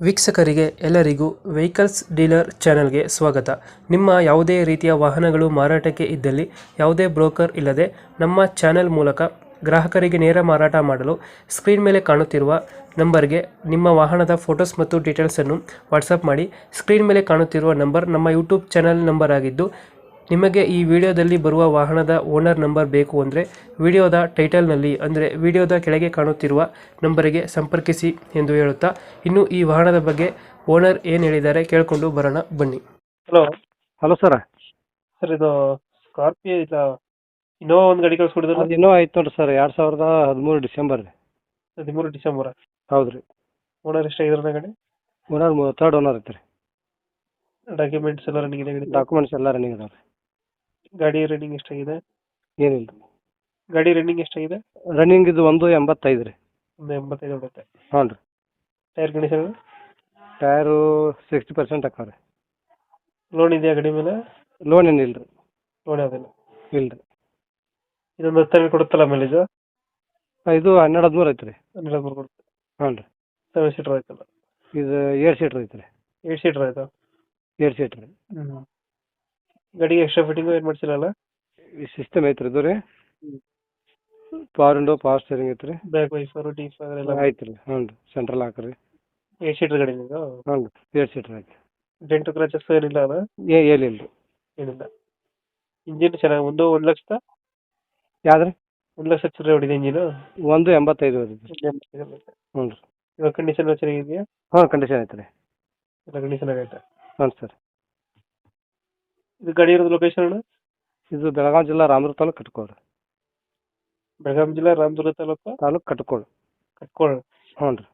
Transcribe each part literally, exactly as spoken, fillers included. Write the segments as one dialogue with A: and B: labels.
A: ವೀಕ್ಷಕರಿಗೆ ಎಲ್ಲರಿಗೂ vehicles dealer ಚಾನೆಲ್ಗೆ ಸ್ವಾಗತ. ನಿಮ್ಮ ಯಾವುದೇ ರೀತಿಯ ವಾಹನಗಳು ಮಾರಾಟಕ್ಕೆ ಇದ್ದಲ್ಲಿ ಯಾವುದೇ ಬ್ರೋಕರ್ ಇಲ್ಲದೆ ನಮ್ಮ ಚಾನೆಲ್ ಮೂಲಕ ಗ್ರಾಹಕರಿಗೆ ನೇರ ಮಾರಾಟ ಮಾಡಲು ಸ್ಕ್ರೀನ್ ಮೇಲೆ ಕಾಣುತ್ತಿರುವ ನಂಬರ್ಗೆ ನಿಮ್ಮ ವಾಹನದ ಫೋಟೋಸ್ ಮತ್ತು ಡೀಟೇಲ್ಸನ್ನು ವಾಟ್ಸಪ್ ಮಾಡಿ. ಸ್ಕ್ರೀನ್ ಮೇಲೆ ಕಾಣುತ್ತಿರುವ ನಂಬರ್ ನಮ್ಮ ಯೂಟ್ಯೂಬ್ ಚಾನೆಲ್ ನಂಬರ್ ಆಗಿದ್ದು, ನಿಮಗೆ ಈ ವಿಡಿಯೋದಲ್ಲಿ ಬರುವ ವಾಹನದ ಓನರ್ ನಂಬರ್ ಬೇಕು ಅಂದರೆ ವಿಡಿಯೋದ ಟೈಟಲ್ನಲ್ಲಿ ಅಂದರೆ ವಿಡಿಯೋದ ಕೆಳಗೆ ಕಾಣುತ್ತಿರುವ ನಂಬರಿಗೆ ಸಂಪರ್ಕಿಸಿ ಎಂದು ಹೇಳುತ್ತಾ, ಇನ್ನು ಈ ವಾಹನದ ಬಗ್ಗೆ ಓನರ್ ಏನು ಹೇಳಿದ್ದಾರೆ ಕೇಳಿಕೊಂಡು ಬರೋಣ ಬನ್ನಿ. Hello
B: hello sir.
A: ಸರ್, ಇದು ಸ್ಕಾರ್ಪಿಯೋ ಇಲ್ಲ ಇನ್ನೋವಾ ಒಂದು ಗಾಡಿ ಕಳಿಸ್ಕೊಡಿದ್ರು.
B: ಅದು ಇನ್ನೂ ಆಯ್ತು ನೋಡ್ರಿ ಸರ್, ಎರಡು ಸಾವಿರದ ಹದಿಮೂರು ಡಿಸೆಂಬರ್ ರೀ.
A: ಹದಿಮೂರು ಡಿಸೆಂಬರ್.
B: ಹೌದು ರೀ.
A: ಓನರ್ ಎಷ್ಟಾಗಿದ್ರೆ ಗಾಡಿ?
B: ಓನರ್ ತರ್ಡ್ ಓನರ್ ಐತೆ ರೀ.
A: ಡಾಕ್ಯುಮೆಂಟ್ಸ್ ಎಲ್ಲ ರನ್ನಿಂಗ್ ಇದೆ?
B: ಡಾಕ್ಯುಮೆಂಟ್ಸ್ ಎಲ್ಲ ರನ್ನಿಂಗ್ ಇದಾವೆ ರೀ.
A: ಗಾಡಿ ರನ್ನಿಂಗ್ ಎಷ್ಟಾಗಿದೆ?
B: ಏನಿಲ್ಲ.
A: ಗಾಡಿ ರನ್ನಿಂಗ್ ಎಷ್ಟಾಗಿದೆ?
B: ರನ್ನಿಂಗ್ ಇದು ಒಂದು ಎಂಬತ್ತೈದು ರೀ.
A: ಒಂದು ಎಂಬತ್ತೈದು ಬರುತ್ತೆ.
B: ಹ್ಞೂ ರೀ.
A: Tyre condition?
B: Tyre sixty percent ಹಾಕಾವ ರೀ.
A: ಲೋನ್ ಇದೆಯಾ ಗಾಡಿ ಮೇಲೆ?
B: ಲೋನ್ ಏನಿಲ್ಲ ರೀ.
A: ಲೋನ್ ಯಾವುದಿಲ್ಲ?
B: ಇಲ್ಲ ರೀ.
A: ಇದೊಂದು ಹತ್ತು ಕೊಡುತ್ತಲ್ಲ ಮೇಲೆ ಇದು?
B: ಇದು ಹನ್ನೆರಡು ಹದಿಮೂರು ಐತೆ ರೀ.
A: ಹನ್ನೆರಡು ಹದಿಮೂರು ಕೊಡುತ್ತೆ.
B: ಹ್ಞೂ ರೀ.
A: ಸೆವೆನ್ ಸೀಟರ್ ಆಯ್ತಲ್ಲ?
B: ಇದು ಏಳು ಸೀಟ್ರ್ ಐತೆ ರೀ.
A: ಏಟ್ ಸೀಟರ್ ಆಯ್ತಾ?
B: ಏಳು ಸೀಟ್ರ್ ರೀ.
A: ಹ್ಞೂ. ಗಾಡಿಗೆ ಎಕ್ಸ್ಟ್ರಾ ಫಿಟ್ಟಿಂಗು ಏನು ಮಾಡಿಸಿಲ್ಲ?
B: ಈ ಸಿಸ್ಟಮ್ ಐತೆ ರೀ ಇದು ರೀ. ಪವರ್ ವಿಂಡೋ, ಪವರ್ ಸ್ಟೇರಿಂಗ್ ಐತೆ ರೀ.
A: ಬ್ಯಾಕ್ ವೈಫರು ಡಿ ಫೈರ್ ಎಲ್ಲ
B: ಐತೆ ರೀ. ಹ್ಞೂ ರೀ. ಸೆಂಟ್ರಲ್ ಹಾಕಿ ರೀ.
A: ಏಟ್ ಸೀಟರ್ ಗಾಡಿ ಇದು?
B: ಹ್ಞೂ ರೀ. ಏಳು ಸೀಟ್ರ್ ಐತೆ.
A: ಡೆಂಟು ಕ್ರಾಚಸ್ ಏನಿಲ್ಲ ಅಲ್ಲ?
B: ಏ ಏನಿಲ್ಲ ರೀ.
A: ಏನಿಲ್ಲ. ಇಂಜಿನ್ ಚೆನ್ನಾಗಿ ಒಂದು ಒಂದು ಲಕ್ಷದ
B: ಯಾವ್ದು ರೀ?
A: ಒಂದು ಲಕ್ಷ ಚಿಲ್ಲರೆ ಹೊಡಿದೆ ಇಂಜಿನು?
B: ಒಂದು ಎಂಬತ್ತೈದು ಐತೆ. ಹ್ಞೂ ರೀ.
A: ಇವಾಗ ಕಂಡೀಷನ್ ಚೆನ್ನಾಗಿದೆಯಾ?
B: ಹಾಂ, ಕಂಡೀಷನ್ ಐತೆ ರೀ.
A: ಎಲ್ಲ ಕಂಡೀಷನ್ ಆಗೈತೆ.
B: ಹ್ಞೂ ಸರ್.
A: ಇದು ಗಾಡಿ ಇರೋದು ಲೊಕೇಶನ್ ಅಣ್ಣ?
B: ಇದು ಬೆಳಗಾವಿ ಜಿಲ್ಲಾ ರಾಮದುರ್ಗ ತಾಲೂಕು ಕಟ್ಕೋಳು.
A: ಬೆಳಗಾವಿ ಜಿಲ್ಲಾ ರಾಮದುರ್ಗ ತಾಲೂಕು
B: ತಾಲೂಕು ಕಟ್ಕೋಳು.
A: ಕಟ್ಕೋಳು.
B: ಹ್ಞೂ ರೀ.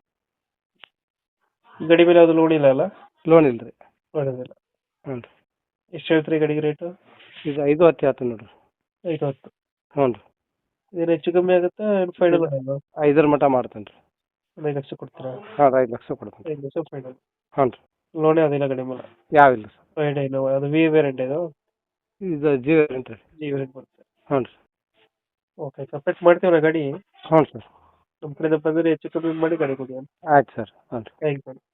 A: ಈ ಗಾಡಿ ಮೇಲೆ ಯಾವುದು ಲೋನ್ ಇಲ್ಲ ಅಲ್ಲ?
B: ಲೋನ್ ಇಲ್ಲ ರೀ.
A: ಲೋನ್ ಇಲ್ಲ.
B: ಹ್ಞೂ ರೀ.
A: ಎಷ್ಟು ಹೇಳ್ತೀರಿ ಗಾಡಿಗೆ ರೇಟು?
B: ಇದು ಐದು ಹತ್ತು ಹೇಳ್ತೀನಿ ನೋಡಿರಿ.
A: ಐದು ಹತ್ತು.
B: ಹ್ಞೂ ರೀ.
A: ಏನು ಹೆಚ್ಚು ಕಮ್ಮಿ ಆಗುತ್ತಾ ಫೈನಲ್?
B: ಐದರ ಮಟ್ಟ ಮಾಡ್ತೇನೆ ರೀ.
A: ಒಂದು ಐದು ಲಕ್ಷ ಕೊಡ್ತೀರಾ?
B: ಹಾಂ, ಐದು ಲಕ್ಷ ಕೊಡ್ತೀನಿ.
A: ಐದು ಲಕ್ಷ ಫೈನಲ್.
B: ಹ್ಞೂ ರೀ.
A: ಲೋನ್ ಯಾವುದಿಲ್ಲ ಗಾಡಿ ಮೇಲೆ?
B: ಯಾವಿಲ್ಲ ಸರ್.
A: ಫೈನ್ ಏನು ಅದು ವಿ ವೇರಿಯಂಟ್ ಇದು?
B: ಇದು ಜಿ ವೇರಿಯಂಟ್ ರೀ.
A: ಜಿ ವೇರಿಯಂಟ್ ಬರುತ್ತೆ.
B: ಹ್ಞೂ ರೀ.
A: ಓಕೆ, ಕಂಪ್ಲೀಟ್ ಮಾಡ್ತೀವಿ ಗಾಡಿ.
B: ಹ್ಞೂ ಸರ್.
A: ನಮ್ಮ ಕಡೆಯಿಂದ ಬಂದರೆ ಹೆಚ್ಚು ಕಮ್ಮಿ ಮಾಡಿ ಗಾಡಿ ಕೊಡಿ.
B: ಆಯ್ತು ಸರ್. ಹ್ಞೂ ರೀ.
A: Thank you.